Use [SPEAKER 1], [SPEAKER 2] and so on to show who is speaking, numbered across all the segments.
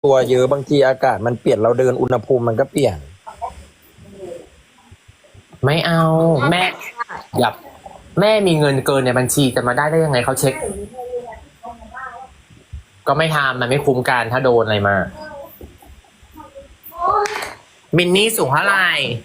[SPEAKER 1] ตัวเยอะบางทีอากาศมันเปลี่ยนเราเดินอุณหภูมิมันก็เปลี่ยน
[SPEAKER 2] ไม่เอาแม่อย่าแม่มีเงินเกินในบัญชีจะมาได้ยังไงเขาเช็ค ก็ไม่ทำมันไม่คุ้มกันถ้าโดนอะไรมามินนี่สูงเท่าไหร่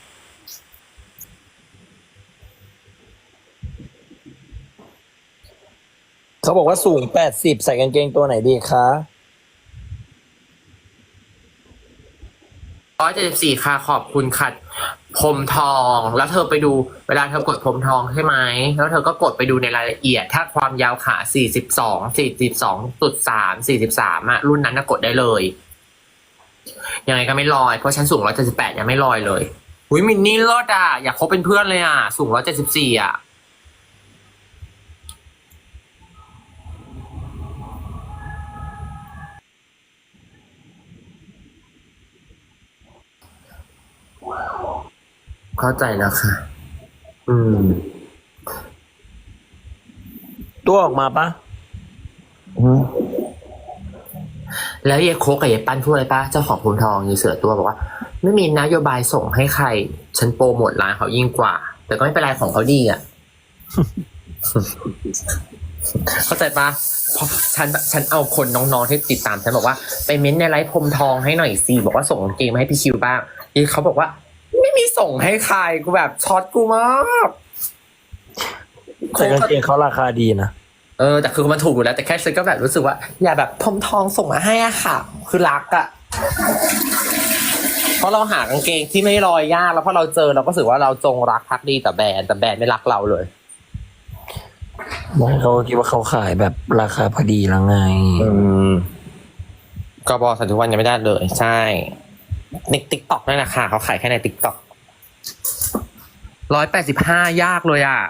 [SPEAKER 1] เขาบอกว่าสูง80ใส่กางเกงตัวไหนดีคะ
[SPEAKER 2] 174ค่ะขอบคุณค่ะพรมทองแล้วเธอไปดูเวลาเธอกดพรมทองใช่ไหมแล้วเธอก็กดไปดูในรายละเอียดถ้าความยาวขา42.3 43อ่ะรุ่นนั้นน่ะกดได้เลยยังไงก็ไม่ลอยเพราะฉันสูง178ยังไม่ลอยเลยหุยมินนี่รอดอ่ะอยากคบเป็นเพื่อนเลยอ่ะสูง174อ่ะเข้าใจแล้วค่ะ
[SPEAKER 1] ตัวออกมาปะ
[SPEAKER 2] แล้วยายโคกกับยายปั้นพูดอะไรปะเจ้าของพรมทองยายเสือตัวบอกว่าไม่มีนโยบายส่งให้ใครฉันโปรโมทร้านเขายิ่งกว่าแต่ก็ไม่เป็นไรของเขาดีอ่ะ เข้าใจปะเพราะฉันเอาคนน้องๆที่ติดตามฉันบอกว่าไปเม้นในไลฟ์พรมทองให้หน่อยสิบอกว่าส่งกางเกงมาให้พี่คิวบ้างยายเขาบอกว่าไม่มีส่งให้ใครกูแบบช็อตกูมาก
[SPEAKER 1] แต่กางเกงเขาราคาดีนะ
[SPEAKER 2] แต่คือมันถูกอยู่แล้วแต่แค่ฉันก็แบบรู้สึกว่าอย่าแบบพรมทองส่งมาให้อะค่ะคือรักอะเพราะเราหากางเกงที่ไม่ลอยยากแล้วพอเราเจอเราก็รู้สึกว่าเราจงรักภักดีแต่แบรนด์ไม่รักเราเลย
[SPEAKER 1] ไม่เขาคิดว่าเขาขายแบบราคาพอดีแล้วไง
[SPEAKER 2] ก็บอกสันทุกวันยังไม่ได้เลยใช่ในติ๊กต็อกนั่นแหละค่ะเขาขายแค่ในติ๊กต็อก185ยากเลยอ่ะ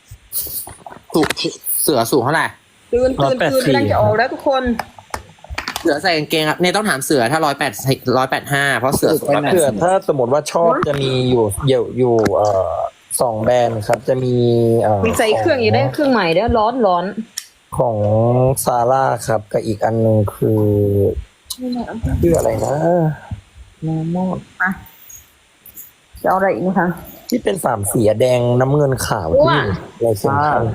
[SPEAKER 2] เสือสูงเท่าไหร่
[SPEAKER 3] ตื่นกำลังจะออกแล้วทุกคน
[SPEAKER 2] เสือใส่กางเกงครับเนี่ยต้องถามเสือถ้า185เพราะเสือสูง180
[SPEAKER 1] ถ้าสมมติว่าชอบจะมีอยู่2แบรนด์ครับจะมี
[SPEAKER 3] มีใส่เครื่องอยู่ได้เครื่องใหม่แล้วร้อน
[SPEAKER 1] ของซาร่าครับกับอีกอันนึงคือชื่ออะไรนะ
[SPEAKER 3] น้ำมอดอ่ะจะเอาอะไรอีกนะคะ
[SPEAKER 1] ที่เป็น3สีแดงน้ำเงินขาวที่อะไรเซ็นทรัล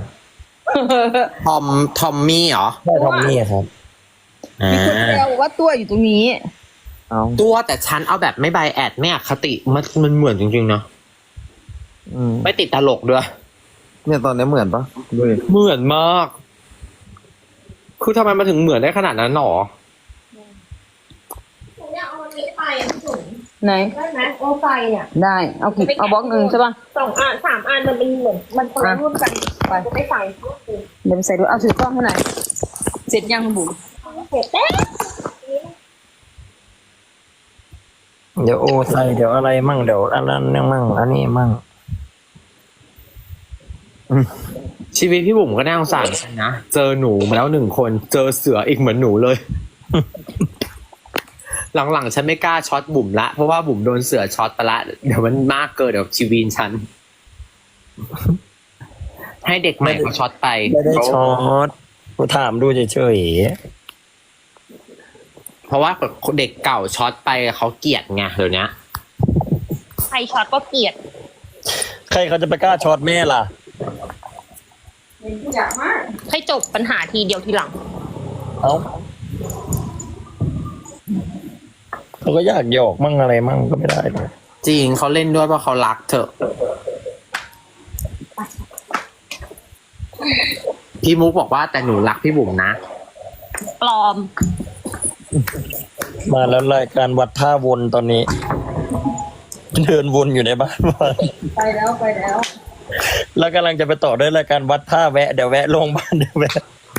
[SPEAKER 2] ทอมมี่เหรอ
[SPEAKER 1] ใช่ทอมมี่ครับ
[SPEAKER 3] มีคนแซวว่าตัวอยู่ตรงนี้
[SPEAKER 2] ตัวแต่ฉันเอาแบบไม่ไบแอดไม่อคติมันเหมือนจริงๆเนาะไม่ติดตลกด้วย
[SPEAKER 1] เนี่ยตอนนี้เหมือนปะ
[SPEAKER 2] เหมือนมากคือทำไมมาถึงเหมือนได้ขนาดนั้นหรอ
[SPEAKER 4] อยากเอาอันนี้ไปถุง
[SPEAKER 3] ไหน
[SPEAKER 4] ได้ไหมโอไฟเนี่ย
[SPEAKER 3] ได้เอากี่เอาบล็อกหนึ่งใช่ป่ะ
[SPEAKER 4] 2 อัน 3 อันมันเป็นเหมือนมันคนละรุ่นกันไปจะไม่ใส่
[SPEAKER 3] เดี๋ยวไปใส่ด้วยเอาถือกล้องให้หน่อยเสร็จยังคุณบุ๋ม
[SPEAKER 4] เสร็จแล้ว
[SPEAKER 1] เดี๋ยวโอใส่เดี๋ยวอะไรมั่งเดี๋ยวอันนั้นมั่งอันนี้มั่ง
[SPEAKER 2] ชีวิตพี่บุ๋มก็น่าสงสารนะเจอหนูมาแล้ว1 คนเจอเสืออีกเหมือนหนูเลย หลังๆฉันไม่กล้าช็อตบุ๋มละเพราะว่าบุ๋มโดนเสือช็อตไปละเดี๋ยวมันมากเกินเดี๋ยวชีวิตฉัน ให้เด็กใหม่เขาช็อตไป
[SPEAKER 1] ไม่ได้ช็อตกูถามดูเฉย
[SPEAKER 2] ๆเพราะว่าเด็กเก่าช็อตไปเขาเกลียดไงเดี๋ยวนี้
[SPEAKER 4] ใครช็อตก็เกลียด
[SPEAKER 1] ใครเขาจะไปกล้าช็อตแม่ล่ะ
[SPEAKER 4] อยากมากให้จบปัญหาทีเดียวทีหลัง
[SPEAKER 1] เขาก็อยากหยอกมั่งอะไรมั่งก็ไม่ได้เลย
[SPEAKER 2] จริงเขาเล่นด้วยเพราะเขารักเธอพี่มุกบอกว่าแต่หนูรักพี่บุ๋มนะ
[SPEAKER 4] ปลอม
[SPEAKER 1] มาแล้วรายการวัดท่าวนตอนนี้เดินวนอยู่ในบ้าน
[SPEAKER 3] ไปแล้ว
[SPEAKER 1] แล้วกำลังจะไปต่อด้วยรายการวัดท่าแวะเดี๋ยวแวะลงบ้านเดี๋ยวแวะ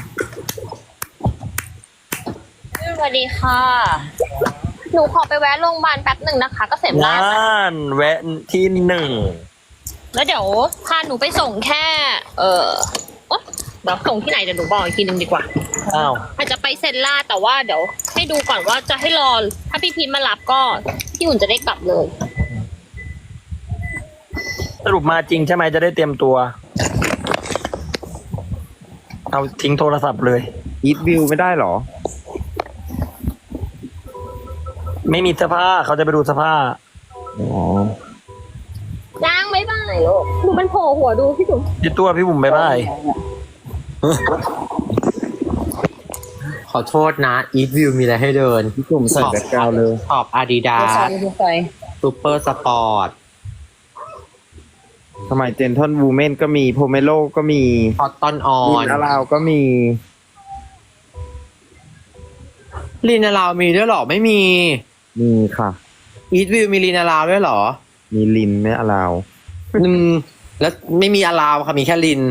[SPEAKER 4] สวัสดีค่ะหนูขอไปแวะโรงพยาบาลแป๊บหนึ่งนะคะก็เสร็จแล้ว
[SPEAKER 1] แวะที่1
[SPEAKER 4] แล้วเดี๋ยวพาหนูไปส่งแค่เดี๋ยวส่งที่ไหนเดี๋ยวหนูบอกอีกทีนึงดีกว่าอาจจะไปเซนล่าแต่ว่าเดี๋ยวให้ดูก่อนว่าจะให้รอถ้าพี่พีทมารับก็พี่อุ่นจะได้กลับเลย
[SPEAKER 1] สรุปมาจริงใช่ไหมจะได้เตรียมตัวเอาทิ้งโทรศัพท์เลย
[SPEAKER 2] อีทวิวไม่ได้หรอ
[SPEAKER 1] ไม่มีเสื้อผ้าเขาจะไปดูเสื้อผ้า
[SPEAKER 5] อ๋อ
[SPEAKER 4] จ้างไม่บ้ายลูกดูมันโผล่หัวดูพี่จุ๋ม
[SPEAKER 1] พี่ตัวพี่บุ๋มบายบาย
[SPEAKER 2] ขอโทษนะ Eat View มีอะไรให้เดิน
[SPEAKER 5] พี่จุ่มใส่แบ็คกราวด์เลย
[SPEAKER 2] ขอบ
[SPEAKER 3] เดี๋ยว
[SPEAKER 2] Adidas
[SPEAKER 3] ใส่เดี๋ยวใส่
[SPEAKER 2] Super Sport
[SPEAKER 5] สมัยเจนทอนวูเมนก็มีโพเมโลก็มี
[SPEAKER 2] Cotton
[SPEAKER 5] ลิ
[SPEAKER 2] On
[SPEAKER 5] นอาราวก็มี
[SPEAKER 2] ลินาราวมีด้วยเหรอ ไม่มี
[SPEAKER 5] มีค่ะ
[SPEAKER 2] Eat View มีลินาราวด้วยเหรอ
[SPEAKER 5] มีลินไม่อาราว
[SPEAKER 2] แล้วไม่มีอาราวค่ะมีแค่ลิน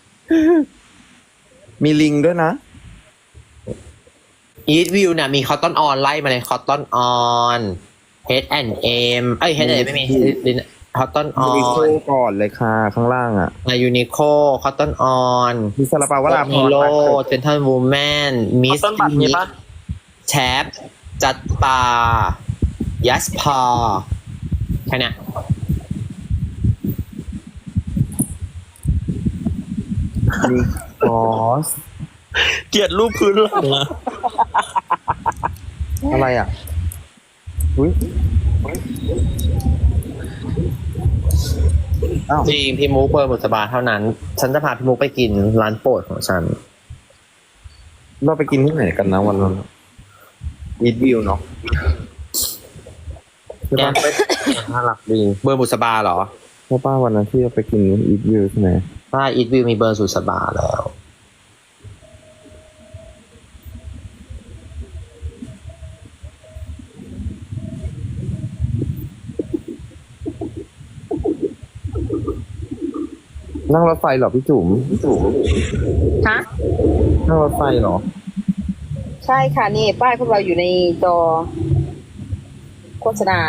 [SPEAKER 5] มีลิงด้วยนะ
[SPEAKER 2] Eat View เนี่ยมี Cotton On ไล่มาเลย Cotton On H&M เอ้ย H&M ไม่มีลิน Cotton
[SPEAKER 5] ยูนิโค
[SPEAKER 2] On
[SPEAKER 5] ก่อนเลยค่ะข้างล่างอ่ะ
[SPEAKER 2] Uniqlo Cotton On
[SPEAKER 5] มีซาลาเปาวราพ
[SPEAKER 2] ฮี
[SPEAKER 5] ร
[SPEAKER 2] โร่
[SPEAKER 5] มาเกิด
[SPEAKER 2] เจนทันวูแมนมิส
[SPEAKER 1] ต้นบัตรมีปะ
[SPEAKER 2] แชปจัดปายัสพาแค่เนี้ย
[SPEAKER 5] มีคอส
[SPEAKER 1] เกลียดรูปพื้นหลังอะ
[SPEAKER 5] อะไรอ่ะอุ้ยอ้าว
[SPEAKER 2] จริงพี่มุกเปิดบุษบาเท่านั้น ฉันจะพาพี่มุกไปกินร้านโปรดของฉัน
[SPEAKER 5] เราไปกินที่ไหนกันนะวันนั้นอีทวิวเนาะใช่
[SPEAKER 2] แก
[SPEAKER 5] ปะ
[SPEAKER 2] ไปน่ารักดีเบอร์บุษบาเหรอ
[SPEAKER 5] ใช่ป้าวันนั้นที่เราไปกินอีทวิวใช่ไหม
[SPEAKER 2] ใช่อีทวิวมีเบอร์บุษบาแล้ว
[SPEAKER 5] นั่งรถไฟเหรอพี่จุ๋ม
[SPEAKER 3] ฮะ
[SPEAKER 5] นั่งรถไฟเหรอ
[SPEAKER 3] ใช่ค่ะนี่ป้ายพวกเราอยู่ในจอโฆษณา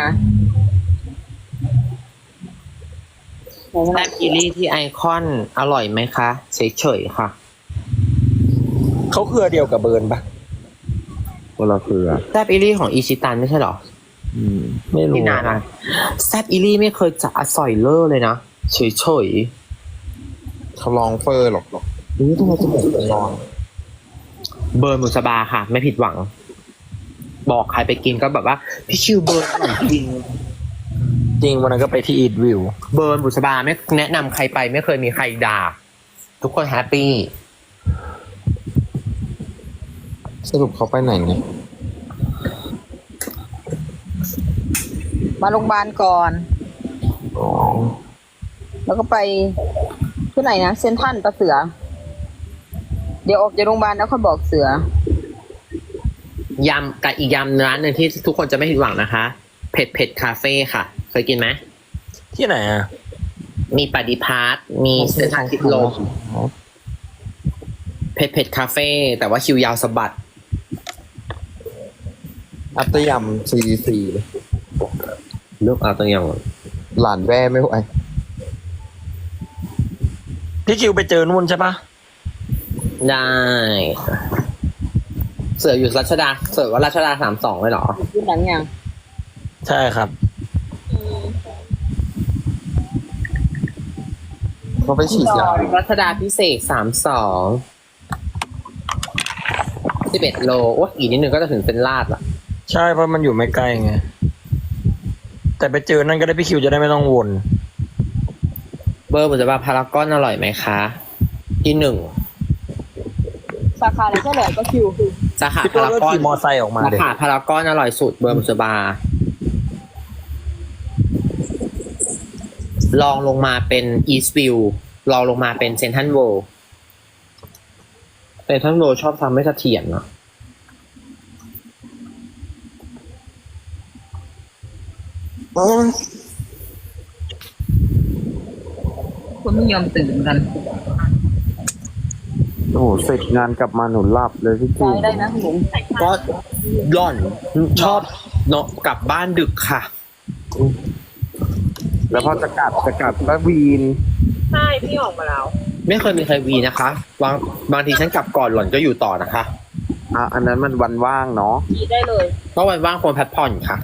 [SPEAKER 2] แซบอิลี่ที่ไอคอนอร่อยไหมคะเฉยๆค่ะ
[SPEAKER 1] เขาเครือเดียวกับเบิร์นปะ
[SPEAKER 5] คนละเครือ
[SPEAKER 2] แซบอิลี่ของอิชิตันไม่ใช่เหรอ
[SPEAKER 5] อืม
[SPEAKER 1] ไม่รู้
[SPEAKER 2] ที่นานอะแซบอิลี่ไม่เคยจะอสอยเลอร์เลยนะเฉย
[SPEAKER 5] เขาลองเฟอร์หรอกนี่ทำไมจมูกเป็นรอน
[SPEAKER 2] ๆเบอร์บุษบาค่ะ ไม่ผิดหวัง บอกใครไปกินก็แบบว่าพี่ชิวเบอร์อร่อยจริง
[SPEAKER 1] จริงวันนั้นก็ไปที่อีทวิว
[SPEAKER 2] เบิร์นบุษบาไม่แนะนำใครไปไม่เคยมีใครด่า ทุกคนแฮปปี้
[SPEAKER 5] สรุปเขาไปไหนเนี่ย
[SPEAKER 3] มาโรงพยาบาลก่อน
[SPEAKER 5] อ๋อ
[SPEAKER 3] แล้วก็ไปที่ไหนนะเซนทรัลปะเสือ เดี๋ยวออกจากโรงพยาบาลแล้วค่อยบอกเสือ
[SPEAKER 2] ยำกับอีกยำร้านหนึ่งที่ทุกคนจะไม่ผิดหวังนะคะ เผ็ดเผ็ดคาเฟ่ค่ะ เคยกินไหม
[SPEAKER 1] ที่ไหนอ่ะ
[SPEAKER 2] มีปฏิพาร์ทมีเส้นทางทิศลมเผ็ดเผ็ดคาเฟ่แต่ว่าคิวยาวสะบัด
[SPEAKER 5] อัตยำCDC เลย
[SPEAKER 2] เลือกเอาตัวอย่าง
[SPEAKER 5] หลานแว่ไม่ไหว
[SPEAKER 1] พี่คิวไปเจอนู่นใช่ปะ
[SPEAKER 2] ได้ เสืออยู่รัชดา เสือว่ารัชดา32เลยเหรอ
[SPEAKER 3] ยืนหลังยัง
[SPEAKER 1] ใช่ครับ
[SPEAKER 5] เขาไปฉีดยา
[SPEAKER 2] รัชดาพิเศษ11 โลโอ้ยอีกนิดนึงก็จะถึงเส้นลาดละ
[SPEAKER 1] ใช่เพราะมันอยู่ไม่ไกลไง แต่ไปเจอนั่นก็ได้พี่คิวจะได้ไม่ต้องวน
[SPEAKER 2] เบอร์บุษบาพารากอนอร่อยไหมคะ ที่หนึ่ง
[SPEAKER 3] สาขาไหนก็เหลือก็คิว
[SPEAKER 2] สาขา
[SPEAKER 1] พี่ตัว
[SPEAKER 2] พาราก
[SPEAKER 1] ก็
[SPEAKER 2] อน
[SPEAKER 1] ขี่มอไซค์ออกมา
[SPEAKER 2] สา
[SPEAKER 1] เลย
[SPEAKER 2] ขาพารากอนอร่อยสุดเบอร์บุษบา ลองลงมาเป็นอีสต์วิวลองลงมาเป็นเซนทันโวเซนทันโวชอบทำไม่เสถียรเนาะ
[SPEAKER 3] คุณไม่ยอมตื่นกัน
[SPEAKER 5] โอ้โหเสร็จงานกลับมาหนูหลับเลยพี่จุ๋ม
[SPEAKER 3] ได้นะคุณหลง
[SPEAKER 2] ก็หล่อนชอบเนาะกลับบ้านดึกค่ะ
[SPEAKER 5] แล้วพอจะกลับแล้ววีน
[SPEAKER 4] ใช่พี่ออกมาแล้ว
[SPEAKER 2] ไม่เคยมีใครวีนะคะบางทีฉันกลับก่อนหล่อนก็อยู่ต่อนะคะ
[SPEAKER 5] อันนั้นมันวันว่างเนาะ
[SPEAKER 4] กีได้เลย
[SPEAKER 2] ก็วันว่างควรพักผ่อนค่ะ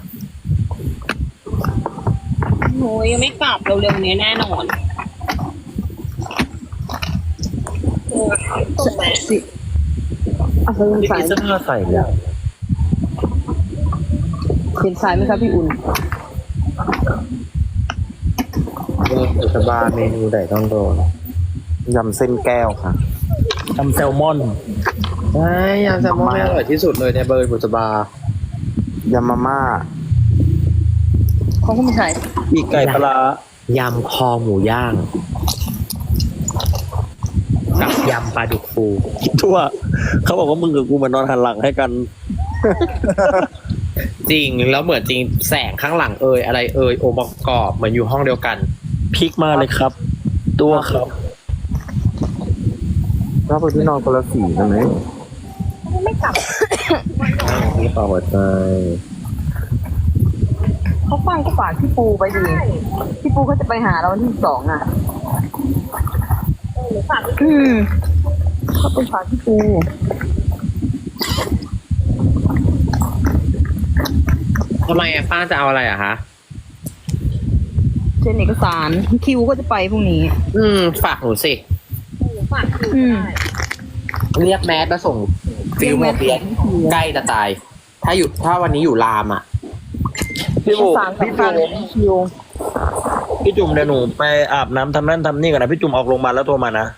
[SPEAKER 4] โอ้ยยังไม่กลับเร็วๆนี้แน่นอนตรงไหน
[SPEAKER 3] เอาไป
[SPEAKER 1] พี่
[SPEAKER 3] ใส่
[SPEAKER 1] คิวเสื้อผ้าใส่เลยอะ
[SPEAKER 3] เห็นทรายไหมครับพี่อุ่น
[SPEAKER 5] สบาเมนูไหนต้องโดนยำเส้นแก้วค่ะ
[SPEAKER 1] ทำแซลมอน
[SPEAKER 2] ใช่ยำแซลมอนอร่อยที่สุดเลยในเบอร์บุษบาย
[SPEAKER 5] ำมาม่า
[SPEAKER 3] เขาก็ไม่ใช่
[SPEAKER 1] ปีกไก่ปลาร้าย
[SPEAKER 2] ำคอหมูย่างกับยำปลาดุกฟู
[SPEAKER 1] ทั่ว เขาบอกว่ามึงกับกูมานอนหันหลังให้กัน
[SPEAKER 2] จริงแล้วเหมือนจริงแสงข้างหลังเอยอะไรเอยองค์ประกอบเหมือนอยู่ห้องเดียวกัน
[SPEAKER 1] พลิกมาเลยครับ ตัวครับ
[SPEAKER 5] ชอบไปที่นอนคนละสีกันไหม
[SPEAKER 4] ไม่กลับ
[SPEAKER 5] นี่เปล่าหัวใจ
[SPEAKER 3] เขาฟังก็ฝากพี่ปูไปดิพี่ปูเขาจะไปหาเราวันที่2อ่ะ
[SPEAKER 4] หรือฝาก
[SPEAKER 3] เขาไปฝากพี่ปู
[SPEAKER 2] ทำไมป้าจะเอาอะไรอะคะ
[SPEAKER 3] เซ็นเอกสารคิวก็จะไปพรุ่งนี้
[SPEAKER 2] ฝากหนูสิ
[SPEAKER 4] หรือฝากคือ
[SPEAKER 3] อืม
[SPEAKER 4] ได้
[SPEAKER 2] เรียกแมสมาส่งฟิลโมเบียนใกล้จะตาย ถ้าวันนี้อยู่รามอ่ะ
[SPEAKER 1] พี่
[SPEAKER 3] เอก
[SPEAKER 1] บุ๋ม
[SPEAKER 3] สาร
[SPEAKER 1] พี่
[SPEAKER 3] สำคั
[SPEAKER 1] จุ๋
[SPEAKER 3] ญ
[SPEAKER 1] ม
[SPEAKER 3] คิว
[SPEAKER 1] พี่จุ๋มเดี๋ยวหนูไปอาบน้ำทำนั่นทำนี่ก่อนนะพี่จุ๋มออกโรงพยาบาลแล้วโทรมานะ